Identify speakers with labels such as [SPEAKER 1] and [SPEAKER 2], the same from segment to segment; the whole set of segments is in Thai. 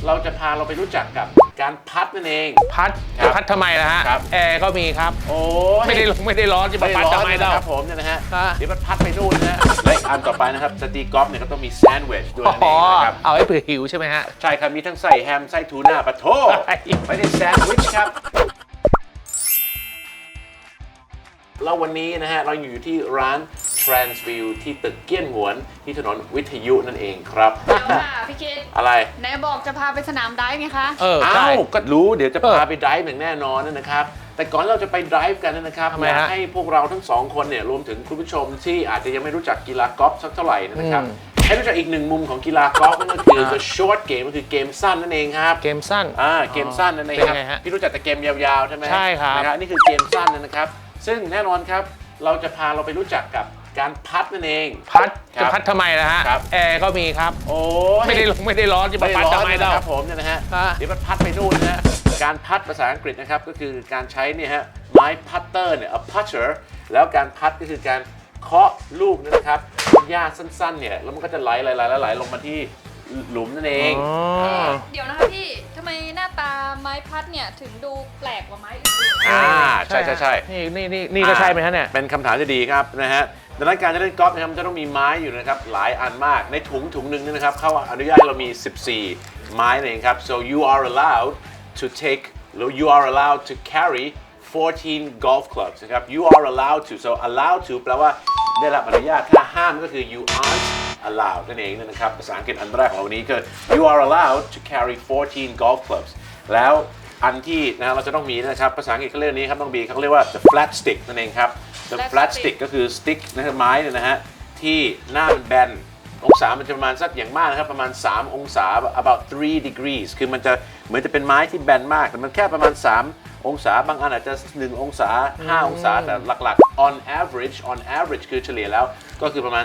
[SPEAKER 1] เราจะพาเราไปรู้จักกับการพัดนั่นเอง
[SPEAKER 2] พัด
[SPEAKER 1] ครับ
[SPEAKER 2] พัดทำไมล่ะฮะ
[SPEAKER 1] ครับ
[SPEAKER 2] แอร์ก็มีครับ
[SPEAKER 1] โอ้ย
[SPEAKER 2] ไม่ได้ร้อนจะมาพัดทำไม
[SPEAKER 1] นะ
[SPEAKER 2] เรา
[SPEAKER 1] ครับผมเนี่ยนะฮะ
[SPEAKER 2] ฮะ
[SPEAKER 1] เดี๋ยวมันพัดไปนู่นนะฮะและอันต่อไปนะครับจะตีกอล์ฟเนี่ยก็ต้องมีแซนด์วิชด้วยนั่นเอ
[SPEAKER 2] อ๋อง
[SPEAKER 1] นะครับ
[SPEAKER 2] เอาให้เผื่อหิวใช่ไหมฮะ
[SPEAKER 1] ใช่ครับมีทั้งไส้แฮมไส้ทูน่าปะโถไม่ได้แซนด์วิชครับแล้ววันนี้นะฮะเราอยู่ที่ร้าน Transview ที่ตึกเกี้ยนหวนที่ถนนวิทยุนั่นเองครับ
[SPEAKER 3] เดี๋ยวค่ะพี่คิด
[SPEAKER 1] อะไร
[SPEAKER 3] ไหนบอกจะพาไปสนามได้ไงคะ
[SPEAKER 2] ใช่
[SPEAKER 1] อ้าวก็รู้เดี๋ยวจะพาไปไดฟ์อย่างแน่นอนนะครับ แต่ก่อนเราจะไปไดฟ์กันนะครับ
[SPEAKER 2] ทำไม
[SPEAKER 1] อยาก
[SPEAKER 2] ฮะ
[SPEAKER 1] ให้พวกเราทั้งสองคนเนี่ยรวมถึงคุณผู้ชมที่อาจจะยังไม่รู้จักกีฬากอล์ฟสักเท่าไหร่นะครับ ให้รู้จักอีกหนึ่งมุมของกีฬากอล์ฟนั่นก็คือ the short game ก็คือเกมสั้นนั่นเองครับ
[SPEAKER 2] เกมสั้น
[SPEAKER 1] เกมสั้นนั่นเอง
[SPEAKER 2] เป็น
[SPEAKER 1] ครับ
[SPEAKER 2] ไงฮะ
[SPEAKER 1] พี่รู้จักแต่เกมยาวๆใช่ไหม
[SPEAKER 2] ใช่ครับ
[SPEAKER 1] นะครับนี่คือเกมสั้นนะครับ ซึ่งแน่นอนครับเราจะพาเราไปรู้จักกับการพัดนั่นเอง
[SPEAKER 2] พัด
[SPEAKER 1] ครับ
[SPEAKER 2] จะพัดทำไมล่ะฮะ
[SPEAKER 1] ครับ
[SPEAKER 2] แอร์ก็มีครับ
[SPEAKER 1] โอ้ย
[SPEAKER 2] ไม่ได้ร้อนจะมาพัดทำไม
[SPEAKER 1] นะ
[SPEAKER 2] เรา
[SPEAKER 1] ครับผมเนี่ยนะฮะ
[SPEAKER 2] ฮะ
[SPEAKER 1] เดี๋ยวมันพัดไปนู่นนะฮะการพัดภาษาอังกฤษนะครับก็คือการใช้เนี่ยฮะไม้พัตเตอร์เนี่ย a putter แล้วการพัดก็คือการเคาะลูกนะครับหญ้าสั้นๆเนี่ยแล้วมันก็จะไหลลงมาที่หลุมนั่นเอง
[SPEAKER 3] เดี๋ยวนะคะพี่ทำไมหน้าตาไม้พัดเนี่ยถึงดูแปลกกว่าไม้อื่น
[SPEAKER 1] ใช่
[SPEAKER 2] นี่ก็ใช่ไหมฮะเนี่ย
[SPEAKER 1] เป็นคำถามที่ดีครับนะฮะดังนั้นการจะเล่นกอล์ฟนะครับมันจะต้องมีไม้อยู่นะครับหลายอันมากในถุงหนึ่งเนี่ยนะครับเขาอนุญาตให้เรามี 14 ไม้นั่นเองครับ so you are allowed to take you are allowed to carry 14 golf clubs นะครับ you are allowed to so allowed to แปลว่าได้รับอนุญาตถ้าห้ามก็คือ you aren't allowed นั่นเองนะครับภาษาอังกฤษอันแรกของเราวันนี้คือ you are allowed to carry 14 golf clubs แล้วอันที่นะเราจะต้องมีนะครับภาษาอังกฤษเขาเรียกนี้ครับต้องบีเขาเรียกว่า the flat stick นั่นเองครับ the flat stick ก็คือ stick นะครับไม้เนี่ยนะฮะที่หน้ามันแบนองศามันจะประมาณสักอย่างมากนะครับประมาณ3องศา about 3 degrees คือมันจะเหมือนจะเป็นไม้ที่แบนมากแต่มันแค่ประมาณ3องศาบางอันอาจจะ1องศา5องศาแต่หลักๆ on average คือเฉลี่ยแล้วก็คือประมาณ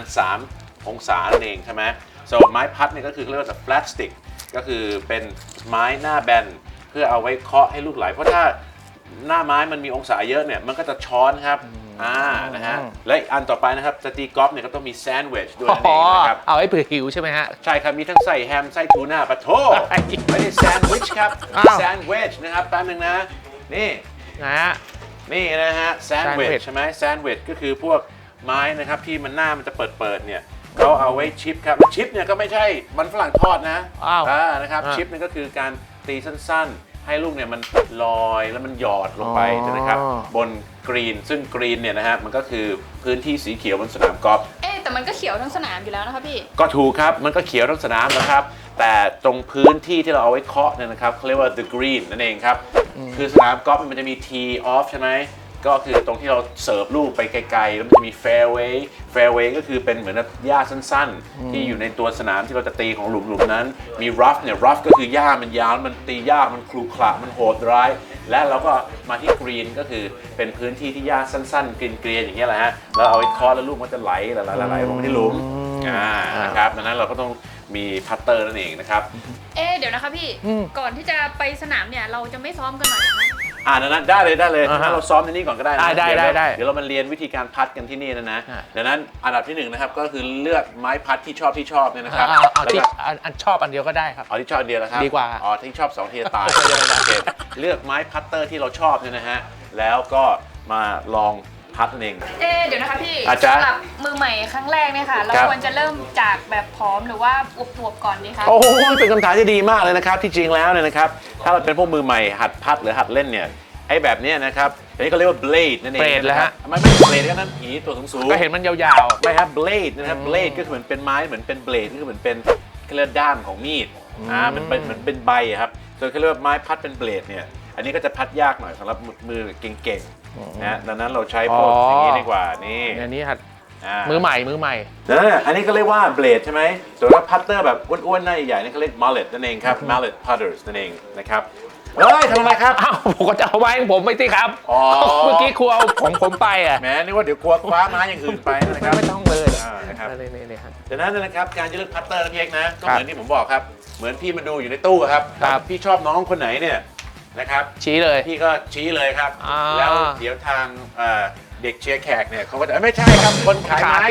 [SPEAKER 1] 3องศานั่นเองใช่ไหม so ไม้พัดเนี่ยก็คือเรียกว่า the flat stick ก็คือเป็นไม้หน้าแบนเพื่อเอาไว้เคาะให้ลูกไหลเพราะถ้าหน้าไม้มันมีองศาเยอะเนี่ยมันก็จะช้อนครับนะฮะและอันต่อไปนะครับจะตีกอล์ฟเนี่ยก็ต้องมีแซนด์วิชด้วยนั่นเองนะครับ
[SPEAKER 2] เอาให้เผื่อหิวใช่ไหมฮะ
[SPEAKER 1] ใช่ครับมีทั้งไส้แฮมไส้ทูน่าปะโถไม่ได้แซนด์วิชครับ
[SPEAKER 2] อ้าว
[SPEAKER 1] แซนด์วิชนะครับแป๊บนึงนะนี่
[SPEAKER 2] นะฮะ
[SPEAKER 1] นี่นะฮะแซนด์วิช
[SPEAKER 2] sandwich
[SPEAKER 1] ใช่ไหมแซนด์วิชก็คือพวกไม้นะครับที่มันหน้ามันจะเปิดเนี่ยเขาเอาไว้ชิปครับแล้วชิปเนี่ยก็ไม่ใช่มันฝรั่งทอดนะ
[SPEAKER 2] อ้าว
[SPEAKER 1] นะครับชิปนี่ก็คือการตีสั้นๆ ให้ลูกเนี่ยมันลอยแล้วมันหยอดลงไปนะครับบนกรีนซึ่งกรีนเนี่ยนะฮะมันก็คือพื้นที่สีเขียวบนสนามกอล์ฟ
[SPEAKER 3] แต่มันก็เขียวทั้งสนามอยู่แล้วนะคะพี่
[SPEAKER 1] ก็ถูกครับมันก็เขียวทั้งสนามนะครับแต่ตรงพื้นที่ที่เราเอาไว้เคาะเนี่ยนะครับเขาเรียกว่า the green นั่นเองครับคือสนามกอล์ฟมันจะมี tee off ใช่ไหมก็คือตรงที่เราเสิร์ฟลูกไปไกลๆแล้วมันจะมี fairway ก็คือเป็นเหมือนหญ้าสั้นๆที่อยู่ในตัวสนามที่เราจะตีของหลุมนั้นมี rough เนี่ย rough ก็คือหญ้ามันยาวมันตียากมันครุขระมันโหดร้ายและเราก็มาที่ green ก็คือเป็นพื้นที่ที่หญ้าสั้นๆเกรียนๆอย่างเงี้ยแหละฮะแล้วเอาไว้เคาะแล้วลูกมันจะไหลลงมาที่หลุมนะครับดังนั้นเราก็ต้องมีพัตเตอร์นั่นเองนะครับ
[SPEAKER 3] เดี๋ยวนะคะพี่ก่อนที่จะไปสนามเนี่ยเราจะไม่ซ้อมกันหน่อยนะคะ
[SPEAKER 1] ดังนั้นได้เลยถ้าเราซ้อมในนี้ก่อนก็ได้นะ
[SPEAKER 2] ได้
[SPEAKER 1] เดี๋ยวเรามาเรียนวิธีการพัดกันที่นี่นะดังนั้นอันดับที่1นะครับก็คือเลือกไม้พัดที่ชอบเนี่ยนะครับ
[SPEAKER 2] เอาที่อันชอบอันเดียวก็ได้ครับ
[SPEAKER 1] เอาที่ชอบอันเดียวนะครับ
[SPEAKER 2] ดีกว่า
[SPEAKER 1] ที่ชอบ2ทีจะตายโอเคเลือกไม้พัตเตอร์ที่เราชอบเนี่ยนะฮะแล้วก็มาลองพัดนั่นเอง
[SPEAKER 3] เดี๋ยวนะคะพี่
[SPEAKER 1] อาจารย์
[SPEAKER 3] สำหรับมือใหม่ครั้งแรกเนี่ยค่ะเรา
[SPEAKER 1] ครับ
[SPEAKER 3] ควรจะเริ่มจากแบบผอมหรือว่าอวบๆก่อนดีคะ
[SPEAKER 1] โอ้โหเป็นคำถามที่ดีมากเลยนะครับที่จริงแล้วเนี่ยนะครับถ้าเราเป็นพวกมือใหม่หัดพัดหรือหัดเล่นเนี่ยไอ้แบบเนี้ยนะครับอันนี้เขาเรียกว่า blade นั่นเอง
[SPEAKER 2] blade แล้วฮะ
[SPEAKER 1] ไม่ blade ก็นั่นผีตัวสูง
[SPEAKER 2] ก็เห็นมันยาว
[SPEAKER 1] ไม่ครับ blade นะครับ blade ก็คือเหมือนเป็นไม้เหมือนเป็น blade ก็คือเหมือนเป็นเขาเรียกด้ามของมีดมันเป็นเหมือนเป็นใบอะครับส่วนเขาเรียกว่าไม้พัดเป็น blade เนี่ยอันนี้ก็จะพัดยากหน่อยสำหรับมือเก่งๆนะดังนั้นเราใช้พวกอย่างนี้ดีกว่านี่
[SPEAKER 2] ๆอันนี้หัดมือใหม่
[SPEAKER 1] อันนี้ก็เรียกว่า blade ใช่ไหมส่วนถ้าพัตเตอร์แบบอ้วนๆหน้าใหญ่ๆนี่เขาเรียก mallet นั่นเองครับ mallet putters นั่นเองนะครับเฮ้ยทำอะไรครับ
[SPEAKER 2] อ้าวผมก็จะเอาไว้ของผมไม่สิครับ
[SPEAKER 1] อ๋อ
[SPEAKER 2] เมื่อกี้ครูเอาของผมไปอ่ะ
[SPEAKER 1] แหมนึกว่าเดี๋ยวกลัวคว้าไม้อย่างอื่นไปนะครับ
[SPEAKER 2] ไม่ต้องเลย
[SPEAKER 1] นะครับ
[SPEAKER 2] นี่ครับ
[SPEAKER 1] ดังนั้นนะครับการจะเลือกพัตเตอร์นะพี่เอกนะก็เหมือนที่ผมบอกครับเหมือนพี่มาดูอยู่ในตู้ครับ
[SPEAKER 2] ครับ
[SPEAKER 1] พี่ชอบน้องคนไหนเนี่ยนะครับ
[SPEAKER 2] ชี้เลย
[SPEAKER 1] พี่ก็ชี้เลยครับ
[SPEAKER 2] อ่า
[SPEAKER 1] แล้วเดี๋ยวทางเด็กเชียร์แขกเนี่ยเขาก็จะไม่ใช่ครับคนขายไม้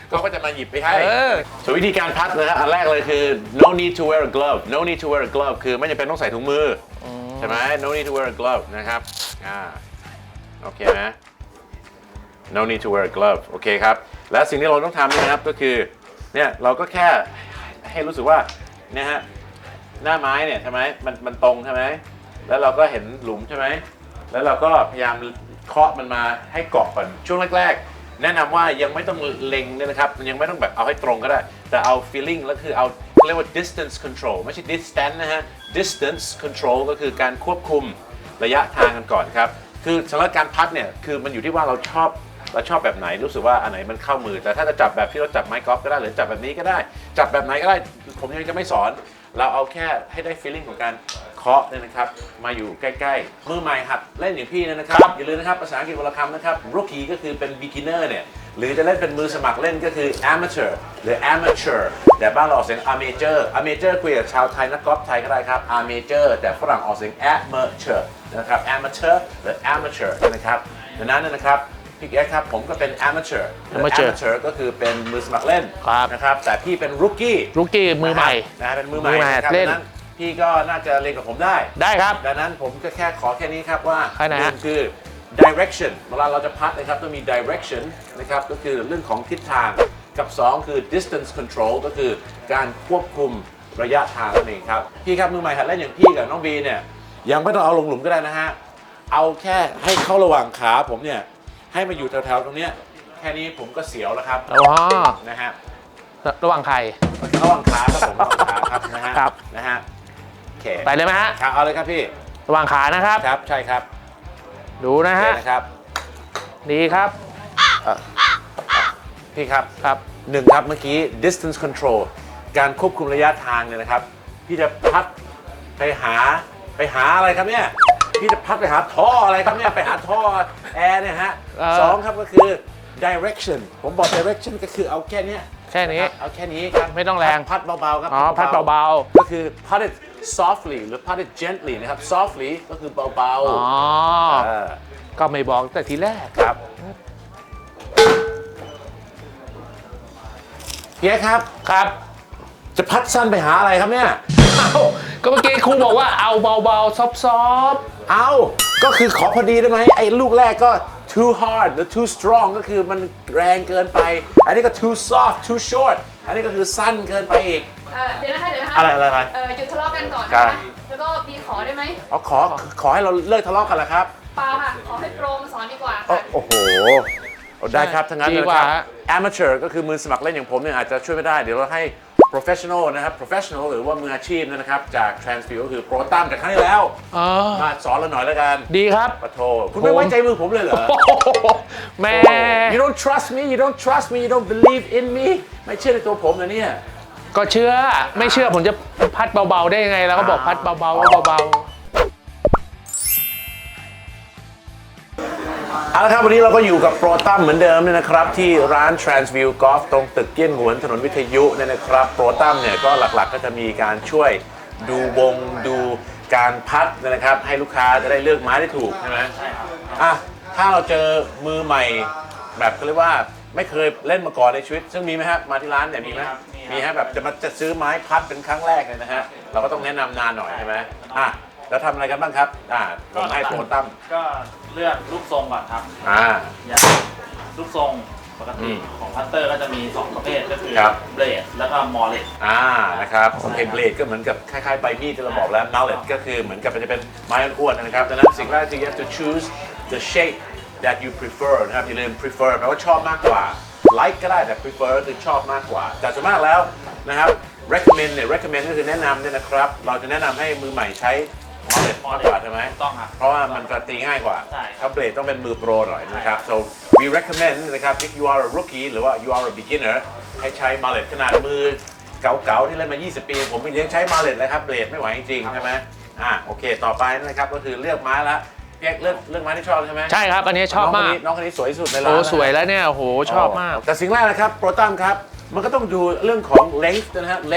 [SPEAKER 1] เขาก็จะมาหยิบไปให้
[SPEAKER 2] อ
[SPEAKER 1] ส่วนวิธีการพัดนะฮะอันแรกเลยคือ no need to wear a glove no need to wear a glove คือไม่จำเป็นต้องใส่ถุงมือใช่ไหม no need to wear a glove นะครับโอเคไหม no need to wear a glove โอเคครับและสิ่งที่เราต้องทำนะครับก็คือเนี่ยเราก็แค่ให้รู้สึกว่าเนี่ยฮะหน้าไม้เนี่ยใช่ไหมมันตรงใช่ไหมแล้วเราก็เห็นหลุมใช่ไหมแล้วเราก็พยายามเคาะมันมาให้เกาะก่อนช่วงแรกๆแนะนำว่ายังไม่ต้องเล็งเนี่ยนะครับมันยังไม่ต้องแบบเอาให้ตรงก็ได้แต่เอา feeling แล้วคือเอาเรียกว่า distance control ไม่ใช่ distance นะฮะ distance control ก็คือการควบคุมระยะทางกันก่อนครับคือสำหรับการพัดเนี่ยคือมันอยู่ที่ว่าเราชอบแบบไหนรู้สึกว่าอันไหนมันเข้ามือแต่ถ้าจะจับแบบที่เราจับไม้กอล์ฟก็ได้หรือจับแบบนี้ก็ได้จับแบบไหนก็ได้ผมยังจะไม่สอนเราเอาแค่ให้ได้ feeling ของการเคาะเนี่ยนะครับมาอยู่ใกล้ๆมือใหม่หัดเล่นอย่างพี่นะครับอย่าลืมนะครับภาษาอังกฤษวรรณคำนะครับ rookie ก็คือเป็น beginner เนี่ยหรือจะเล่นเป็นมือสมัครเล่นก็คือ amateur หรือ amateur แต่บ้านเราออกเสียง amateur คุยกับชาวไทยนักกอล์ฟไทยก็ได้ครับ amateur แต่ฝรั่งออกเสียง amateur นะครับ amateur หรือ amateur นะครับดังนั้นนะครับพี่แอ๊ครับผมก็เป็น amateur ก็คือเป็นมือสมัครเล่นนะครับแต่พี่เป็น rookie
[SPEAKER 2] มือใหม่
[SPEAKER 1] นะเป็นมือใหม่นะครับดังนั้นพี่ก็น่าจะเรียนกับผมได้
[SPEAKER 2] ได้ครับ
[SPEAKER 1] ดังนั้นผมก็แค่ขอแค่นี้ครับว่า
[SPEAKER 2] แค่ไหน
[SPEAKER 1] ห
[SPEAKER 2] ฮะ
[SPEAKER 1] นึ่งคือ direction เวลาเราจะพัดนะครับต้องมี direction นะครับก็คือเรื่องของทิศทางกับ2คือ distance control ก็คือการควบคุมระยะทางนั่นเองครับพี่ครับมือใหม่หัดเล่นอย่างพี่กับน้องบีเนี่ยยังไม่ต้องเอาลงหลุมก็ได้นะฮะเอาแค่ให้เข้าระหว่างขาผมเนี่ยให้มาอยู่แถวๆตรงเนี้ยแค่นี้ผมก็เสียวแล้วครับ
[SPEAKER 2] อ๋อ
[SPEAKER 1] นะฮะ
[SPEAKER 2] ระหว่างใคร
[SPEAKER 1] ระหว่างขาครับผมระหว่างขาครับนะฮะ
[SPEAKER 2] ครับ
[SPEAKER 1] นะฮะโอเค
[SPEAKER 2] ไปเลยไหมฮะ
[SPEAKER 1] ครับเอาเลยครับพี่
[SPEAKER 2] ระหว่างขานะครับ
[SPEAKER 1] ครับใช่ครับ
[SPEAKER 2] ดูนะ
[SPEAKER 1] โอเค
[SPEAKER 2] ฮะ
[SPEAKER 1] นะครับ
[SPEAKER 2] ดีครับ
[SPEAKER 1] พี่ครับ
[SPEAKER 2] ครับ
[SPEAKER 1] หนึ่งครับเมื่อกี้ distance control การควบคุมระยะทางเนี่ยนะครับพี่จะพัดไปหาอะไรครับเนี่ยพี่จะพัดไปหาท่ออะไรครับเนี่ยไปหาท่อแอร์เนี่ยฮะสองครับก็คือ direction ผมบอก direction ก็คือเอาแค่เนี้ย
[SPEAKER 2] แค่นี้
[SPEAKER 1] เอาแค่นี้ครับ
[SPEAKER 2] ไม่ต้องแรง
[SPEAKER 1] พัดเบาๆครับ
[SPEAKER 2] อ๋อพัดเบา
[SPEAKER 1] ก็คือ pat it softly หรือ pat it gently นะครับ softly ก็คือเบา
[SPEAKER 2] ๆ อ๋อ ก็ไม่บอกแต่ทีแรก
[SPEAKER 1] ครับเพียครับ
[SPEAKER 2] ครับ
[SPEAKER 1] จะพัดสั้นไปหาอะไรครับเนี่ย
[SPEAKER 2] เอ้าก็เมื่อกี้ครูบอกว่าเอาเบาๆ ซอฟต์
[SPEAKER 1] เอาก็คือขอพอดีได้ไหมไอ้ลูกแรกก็ too hard หรือ too strong ก็คือมันแรงเกินไป อันนี้ก็ too soft too short อันนี้ก็คือสั้นเกินไปอีก
[SPEAKER 3] เดี๋ยวนะคะ
[SPEAKER 1] อะไร
[SPEAKER 3] หยุดทะเลาะกันก่อน
[SPEAKER 1] ครั
[SPEAKER 3] นะ
[SPEAKER 1] บ
[SPEAKER 3] คะแล้วก็บีขอได้ไหม
[SPEAKER 1] เอาขอให้เราเลิกทะเลาะกันละครับ
[SPEAKER 3] เปล่าค่ะ ขอให้โปรมาสอนดีกว่า
[SPEAKER 1] โอ้โหเอาได้ครับทั้งนั้นเลยครับ amateur ก็คือมือสมัครเล่นอย่างผมเนี่ยอาจจะช่วยไม่ได้เดี๋ยวเราให้ professional นะครับ professional หรือว่ามืออาชีพนะครับจาก Transview ก็คือโปรตั้มจากครั้งที่แล้ว
[SPEAKER 2] ๆอ๋อ
[SPEAKER 1] มาสอนเราหน่อยแล้วกัน
[SPEAKER 2] ดีครับ
[SPEAKER 1] ปะโทคุณไม่ไว้ใจมือผมเลยเหรอ
[SPEAKER 2] แม่
[SPEAKER 1] You don't trust me you don't trust me you don't believe in me ไม่เชื่อในตัวผมนะเนี่ย
[SPEAKER 2] ก็เชื่อ ไม่เชื่อผมจะพัดเบาๆได้ยังไง แล้วก็บอกพัดเบาๆก็เบา
[SPEAKER 1] เอาละครับวันนี้เราก็อยู่กับโปรตั้มเหมือนเดิมเนี่ยนะครับที่ร้าน Transview Golf ตรงตึกเกี้ยนหวนถนนวิทยุเนี่ยนะครับโปรตั้มเนี่ยก็หลักๆก็จะมีการช่วยดูวงดูการพัดนะครับให้ลูกค้าจะได้เลือกไม้ได้ถูกใช่ไหมอ่ะถ้าเราเจอมือใหม่แบบเขาเรียกว่าไม่เคยเล่นมาก่อนในชีวิต ซึ่งมีไหมครับมาที่ร้านเนี่ยมีไหมมีฮะแบบจะซื้อไม้พัดเป็นครั้งแรกเลยนะฮะเราก็ต้องแนะนำนานหน่อยใช่ไหมอ่ะแล้วทำอะไรกันบ้างครับผมให้โปรตั้ม
[SPEAKER 4] ก็เลือกลูกทรงก่อนครับ อย่างลูกทรงปกติของพัตเตอร์ก็จะมี 2 ประเภทก็คือ
[SPEAKER 1] ครับ
[SPEAKER 4] เบลดแล้วก็มอลเลต
[SPEAKER 1] นะครับโอเคเบลดก็เหมือนกับคล้ายๆใบมีดที่เราบอกแล้ว mallet ก็คือเหมือนกับมันจะเป็นไม้อ้วนๆนะครับดังนั้นสิ่งแรกที่ you have to choose the shape that you prefer นะครับอย่าลืม prefer แปลว่าชอบมากกว่า like ก็ได้แต่ prefer ก็คือชอบมากกว่าแต่ส่วนมากแล้วนะครับ recommend เนี่ย recommend ก็คือแนะนำเนี่ยนะครับเราจะแนะนำให้มือใหม่ใช้ mallet มากกว่าใช่ไหม
[SPEAKER 4] ต้องครับ
[SPEAKER 1] เพราะว่ามันจะตีง่ายกว่า
[SPEAKER 4] ใช่
[SPEAKER 1] ถ้าเบลดต้องเป็นมือโปรหน่อยนะครับ so we recommend นะครับ if you are a rookie หรือว่า you are a beginner ให้ใช้ mallet ขนาดมือเก่าๆที่เล่นมา 20 ปี ผมยังใช้ mallet เลยครับเบลดไม่ไหวจริงๆใช่ไหมโอเคต่อไปนะครับก็คือเลือกไม้ละเรียกเลือกไม้ที่ชอบใช่ไหม
[SPEAKER 2] ๆ ใช่ครับ อันนี้ชอบมาก
[SPEAKER 1] น้องคนนี้สวยที่สุดในร้าน
[SPEAKER 2] โอ้
[SPEAKER 1] นะ
[SPEAKER 2] สวยแล้วเนี่ยโอ้โหชอบมาก
[SPEAKER 1] แต่สิ่งแรกนะครับโปรตัมครับมันก็ต้องดูเรื่องของ length นะฮะ length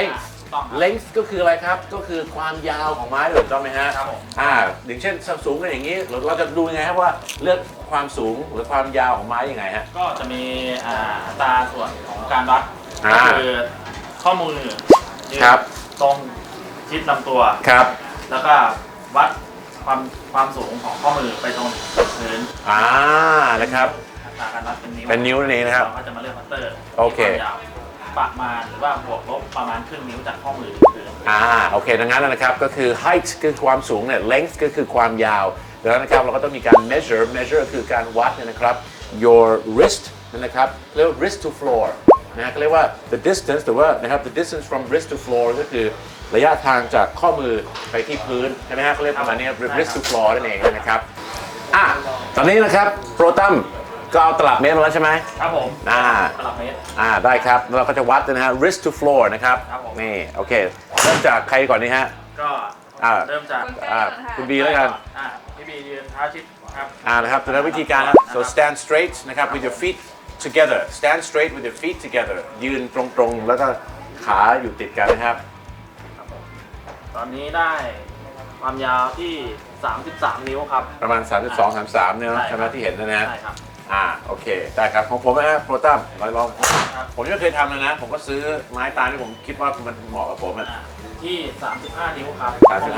[SPEAKER 4] ต้องครับ
[SPEAKER 1] length ก็คืออะไรครับก็คือความยาวของไม้ถูกต้องไหมฮะ
[SPEAKER 4] ครับผม
[SPEAKER 1] อย่างเช่นสูงกันอย่างนี้เราจะดูยังไงครับว่าเลือกความสูงหรือความยาวของไม้ยังไงฮะ
[SPEAKER 4] ก็จะมีอัตราส่วนของการวัด
[SPEAKER 1] อ่า
[SPEAKER 4] ก็คือข้อมือยืน
[SPEAKER 1] ครับ
[SPEAKER 4] ตรงชิดลำตัว
[SPEAKER 1] ครับ
[SPEAKER 4] แล้วก็วัดความสูงของข้อมือไปตรงพื้น
[SPEAKER 1] นะครับ
[SPEAKER 4] อัตราการวัดเป็นนิ้ว
[SPEAKER 1] เป็นนิ้วนั่นเองนะครับ
[SPEAKER 4] เราก็จะมาเลือกพัตเตอร์
[SPEAKER 1] โอเค
[SPEAKER 4] วามยาวประมาณหรือว่าบวกลบประมาณครึ่งนิ้วจากข้อมือถึงพื้น
[SPEAKER 1] โอเคดังนั้นนะครับก็คือ height คือความสูงเนี่ย length ก็คือความยาวดังนั้นนะครับเราก็ต้องมีการ measure คือการวัดเนี่ยนะครับ your wrist นะครับเรียกว่า wrist to floor นะฮะก็เรียกว่า the distance หรือว่านะครับ the distance from wrist to floor ก็คือระยะทางจากข้อมือไปที่พื้นใช่ไหมฮะเขาเรียกประมาณนี้ wrist to floor นั่นเองนะครับตอนนี้นะครับโปรตัมก็เอาตลับเมตรมาแล้วใช่ไหม
[SPEAKER 4] ครับผม
[SPEAKER 1] ต
[SPEAKER 4] ลับเมตร
[SPEAKER 1] ได้ครับแล้วเราก็จะวัดนะฮะ wrist to floor นะครับ
[SPEAKER 4] ครับผม
[SPEAKER 1] นี่โอเคเริ่มจากใครก่อนนี่ฮะ
[SPEAKER 4] ก็
[SPEAKER 1] อ่า
[SPEAKER 4] เริ่มจาก
[SPEAKER 1] คุณบีแล้วกัน
[SPEAKER 4] พี่บียืนเท้าชิดครับ
[SPEAKER 1] นะครับดังนั้นวิธีการครับ so stand straight นะครับ with your feet together stand straight with your feet together ยืนตรงๆแล้วก็ขาอยู่ติดกันนะครับ
[SPEAKER 4] ตอนนี้ได้ความยาวที่ 33 นิ้วครับ
[SPEAKER 1] ประมาณ 32 33เนี่ยนะใช่ไหมที่เห็นนะฮะ
[SPEAKER 4] ใช่ครับ
[SPEAKER 1] โอเคได้ครับของผมนะฮะโปรตัมลอง
[SPEAKER 4] ครับ
[SPEAKER 1] ผมยังไม่เคยทำเลยนะ ผมก็ซื้อไม้ตาลที่ผมคิดว่ามันเหมาะกับผมอะ
[SPEAKER 4] ที่ 35 นิ้วครับ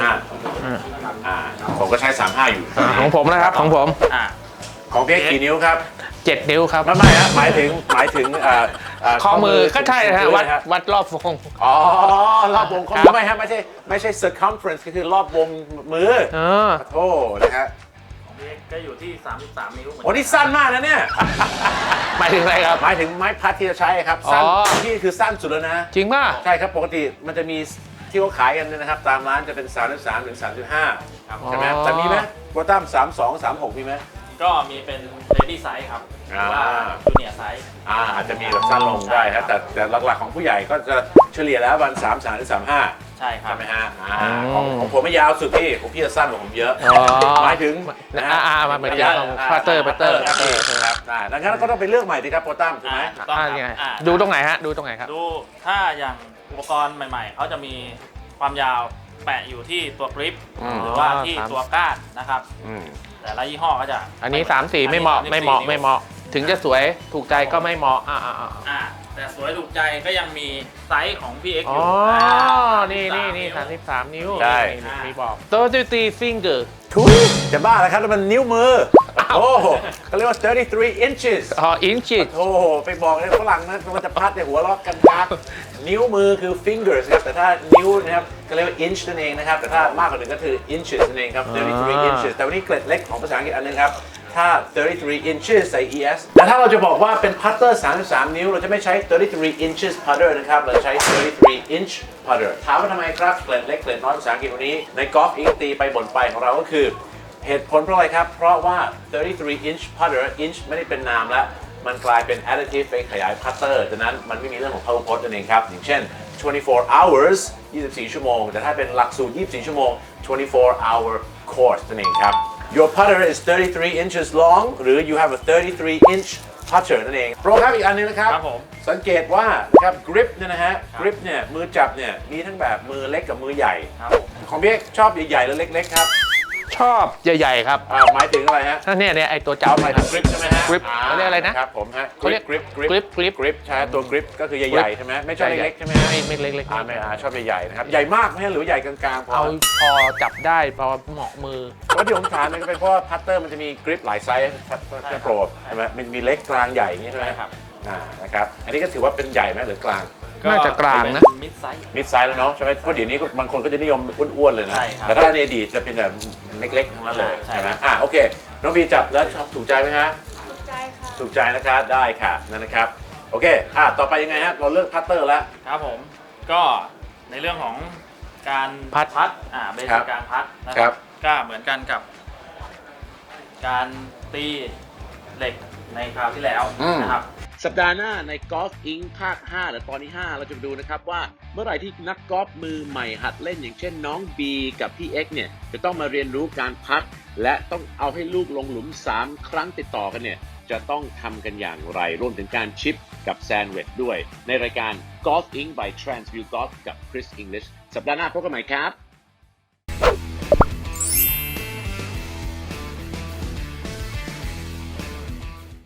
[SPEAKER 1] 35 ผมก็ใช้ 35 อยู่
[SPEAKER 2] ของผมนะครับของผม
[SPEAKER 1] ของเพียกกี่นิ้วครับ
[SPEAKER 2] 7 นิ้วครับ
[SPEAKER 1] ไม่ฮะหมายถึง
[SPEAKER 2] ข้อมือก็ใช่ฮะ
[SPEAKER 1] ถึง
[SPEAKER 2] วัดรอบวง
[SPEAKER 1] รอบวงข้อ
[SPEAKER 2] ครั
[SPEAKER 1] มือบ ไม่ฮะไม่ใช่ circumference ก็คือรอบวงมือโอ้นะฮะ
[SPEAKER 4] ของพี่เอ็กซ์ก็อยู่ที่ 33 นิ้วเหมือน
[SPEAKER 1] โอ้นี่สั้นมากนะเนี่ย
[SPEAKER 2] หมายถึงอะไรครับ
[SPEAKER 1] หมายถึงไม้พัดที่จะใช้ครับสั้น
[SPEAKER 2] อ๋อ
[SPEAKER 1] ที่คือสั้นสุดแล้วนะ
[SPEAKER 2] จริงป่ะ
[SPEAKER 1] ใช่ครับปกติมันจะมีที่เขาขายกันนะครับตามร้านจะเป็น 33 ถึง 35
[SPEAKER 4] ครับ
[SPEAKER 1] ใช่ไหมแต่มีไหมโปรตัม32 36มีไหม
[SPEAKER 4] ก็มีเป็น lady size ครับหรือว่า junior size
[SPEAKER 1] อาจจะมีแบบสั้นลงได้ครับแต่หลักๆของผู้ใหญ่ก็จะเฉลี่ยแล้ววัน33 ถึง 35
[SPEAKER 4] ใช่ครับ
[SPEAKER 1] ใช่ไหมฮะของผมไม่ยาวสุดพี่ของพี่จะสั้นกว่าผมเยอะ หมายถึงนะฮะ
[SPEAKER 2] มาเหมือนกันพัตเตอร์
[SPEAKER 1] ครับดังนั้นก็ต้องไปเลือกใหม่ดีครับโปรตัมถูกไหม
[SPEAKER 4] ถูกต้องครับ
[SPEAKER 2] ยังไงดูตรงไหนฮะดูตรงไหนครับ
[SPEAKER 4] ดูถ้าอย่างอุปกรณ์ใหม่ๆ เขาจะมีความยาวแปะอยู่ที่ตัวกริป หรือว่าที่ตัวก้านนะครับ แต่ละยี่ห้อก็จะ
[SPEAKER 2] อันนี้3 4ไม่เหมาะถึงจะสวยถูกใจก็ไม่เหมาะ
[SPEAKER 4] แต่สวยถูกใจก็ยังมีไซส์ของพี่เอ็กซ์
[SPEAKER 2] อ๋
[SPEAKER 4] อ
[SPEAKER 2] อ
[SPEAKER 4] ยู่
[SPEAKER 2] นี่33 นิ้ว
[SPEAKER 1] ใช่
[SPEAKER 2] มีบอก33 finger
[SPEAKER 1] ทุยจะบ้าแล้วครับแล้วมันนิ้วมือโอ้เขาเรียกว่า33 inches
[SPEAKER 2] inches
[SPEAKER 1] โอ้โหไปบอกเลยฝรั่งนะมันจะพัดในหัวล็อกกันพักนิ้วมือคือ fingers ครับแต่ถ้านิ้วนะครับก็เรียกว่า inch นั่นเองนะครับแต่ถ้ามากกว่าหนึ่งก็คือ inches นั่นเองครับ33 inches แต่วันนี้เกร็ดเล็กของภาษาอังกฤษอันนึงครับถ้า33 inches ใส่ es แต่ถ้าเราจะบอกว่าเป็นพัตเตอร์33 นิ้วเราจะไม่ใช้33 inches putter นะครับเราใช้33 inch putter ถามว่าทำไมครับเกร็ดเล็กเกร็ดน้อยภาษาอังกฤษวันนี้ในกอล์ฟอิงตีไปบ่นไปของเราก็คือเหตุผลเพราะอะไรครับเพราะว่า33 inch putter inch ไม่ได้เป็นนามแล้วมันกลายเป็น additive ไปขยายพัตเตอร์ดังนั้นมันไม่มีเรื่องของพหุพจน์นั่นเองครับอย่างเช่น24 hours 24 ชั่วโมงแต่ถ้าเป็นหลักสูตร24 ชั่วโมง24 hour course นั่นเองครับYour putter is 33 inches long หรือ you have a 33 inch putter นั่นเองโปรครับอีกอันนึงนะครับ
[SPEAKER 4] ครับผม
[SPEAKER 1] สังเกตว่านะครับ grip เนี่ยนะฮะ grip เนี่ยมือจับเนี่ยมีทั้งแบบมือเล็กกับมือใหญ่
[SPEAKER 4] ครับผม
[SPEAKER 1] ของพี่เอกชอบใหญ่ๆหรือเล็กๆครับ
[SPEAKER 2] ชอบใหญ่ๆครับ
[SPEAKER 1] หมายถึงอะไรฮะ
[SPEAKER 2] เนี่ยไอตัวจับ
[SPEAKER 1] หมายถึง grip ใช่ไหมฮะ
[SPEAKER 2] grip เขาเรียกอะไรนะ
[SPEAKER 1] ครับผมฮะ
[SPEAKER 2] เขาเรียก grip
[SPEAKER 1] ใช่ตัว grip ก็คือใหญ่ๆใช่ไหมไม่ชอบเล็กๆใช่ไหมฮะ
[SPEAKER 2] ไม่เล็ก
[SPEAKER 1] ไม่ชอบใหญ่ๆนะครับใหญ่มากไหมฮะหรือใหญ่กลางๆพอ
[SPEAKER 2] เอาพอจับได้พอเหมาะมือ
[SPEAKER 1] เพราะที่ผมถามเนี่ยก็เป็นเพราะว่าพัตเตอร์มันจะมีกริปหลายไซส์จะโปรใช่ไหมมันมีเล็กกลางใหญ่อย่างนี้ใช่ไหม
[SPEAKER 4] ใช่ครับ
[SPEAKER 1] นะครับอันนี้ก็ถือว่าเป็นใหญ่ไหมหรือกลาง
[SPEAKER 2] น่าจะกลางนะ
[SPEAKER 4] มิดไซส์
[SPEAKER 1] มิดไซส์แล้วเนาะใช่ไหมเพราะเดี๋ยวนี้บางคนก็จะนิยมอ้วนๆเลยนะ
[SPEAKER 4] ใช่ครับ
[SPEAKER 1] แต่ถ้าในอดีตจะเป็นแบบเล็กๆทั้งนั้นเลย
[SPEAKER 4] ใช่
[SPEAKER 1] ใช่ไหมโอเคน้องบีจับแล้วชอบถูกใจไหมฮะ
[SPEAKER 3] ถูกใจค่ะ
[SPEAKER 1] ถูกใจนะครับได้ค่ะนั่นนะครับโอเคต่อไปยังไงฮะเราเลือกพัตเตอร์แล้ว
[SPEAKER 4] ครับผมก็ในเรื่องของการ
[SPEAKER 2] พัด
[SPEAKER 4] เบสิกการพัดนะ
[SPEAKER 1] ค
[SPEAKER 4] ค
[SPEAKER 1] รั
[SPEAKER 4] รับ บก็เหมือนกันกับ การตีเหล็กในคราวที่แล้วนะครับ
[SPEAKER 1] สัปดาห์หน้าในกอล์ฟอิงภาค 5 หรือตอนที่ 5 เราจะไปดูนะครับว่าเมื่อไหร่ที่นักกอล์ฟมือใหม่หัดเล่นอย่างเช่นน้องบีกับพี่เอ็กเนี่ยจะต้องมาเรียนรู้การพัดและต้องเอาให้ลูกลงหลุม3 ครั้งติดต่อกันเนี่ยจะต้องทำกันอย่างไร รวมถึงการชิปกับแซนด์วิชด้วย ในรายการ Golf Inc by Transview Golf กับ Chris English สัปดาห์หน้าพบกันใหม่ครับ